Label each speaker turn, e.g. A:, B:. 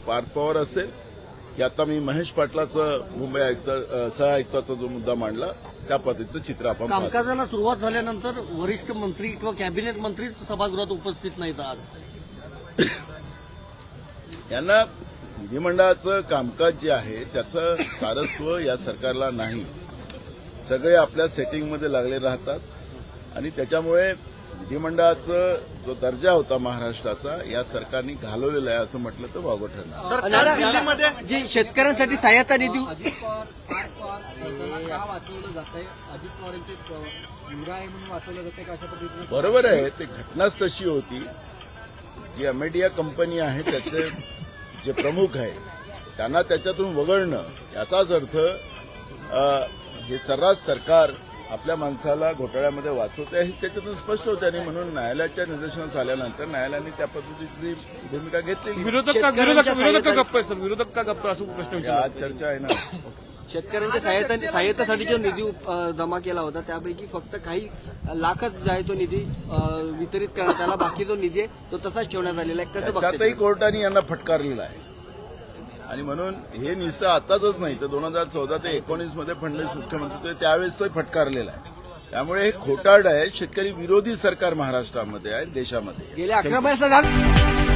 A: पार्थ पवार असेल की आता मी महेश पाटलाचं मुंबई आयुक्त सहआयुक्ताचा जो मुद्दा मांडला त्या पद्धतीचं चित्र आपण पाहतो.
B: कामकाजाला सुरुवात झाल्यानंतर वरिष्ठ मंत्री किंवा कॅबिनेट मंत्रीच सभागृहात उपस्थित नाहीत आज.
A: यांना विधिमंडळाचं कामकाज जे आहे त्याचं सारस्व या सरकारला नाही. सगळे आपल्या सेटिंगमध्ये लागले राहतात आणि त्याच्यामुळे विधिमंडळाचा जो दर्जा होता महाराष्ट्राचा या सरकारने घालवलेला आहे असं म्हटलं तर वावगं ठरणार.
B: आणि दिल्लीमध्ये जे शेतकऱ्यांसाठी सहायता निधी
A: बरोबर आहे, ते घटनाच तशी होती. जी अमेडिया कंपनी आहे त्याचे जे प्रमुख आहे त्यांना त्याच्यातून वगळणं याचाच अर्थ हे सर्रास सरकार आपल्या माणसाला घोटाळ्यामध्ये वाचवते हे त्याच्यातून स्पष्ट होते. आणि म्हणून न्यायालयाच्या निदर्शनास आल्यानंतर न्यायालयाने त्या पद्धतीची भूमिका घेतलेली.
C: विरोधक का गप्प आहे सर? विरोधक का गप्प असं प्रश्न विचारला.
A: आज चर्चा आहे ना.
B: शेतकऱ्यांच्या सहायतेसाठी जो निधी जमा केला होता त्यापैकी फक्त काही लाखच जो आहे तो निधी वितरित करण्यात आला. बाकी जो निधी आहे तो तसाच ठेवण्यात आलेला आहे. कसं
A: त्यातही
B: बघताय?
A: कोर्टाने यांना फटकारलेला आहे. आणि म्हणून हे नुसतं आताच नाही तर 2014 ते 19 मध्ये फडणवीस मुख्यमंत्री होते त्यावेळेस तो फटकारलेला आहे. त्यामुळे हे खोटारड आहे. शेतकरी विरोधी सरकार महाराष्ट्रामध्ये आहे, देशामध्ये.
B: गेल्या 11 महिन्याचा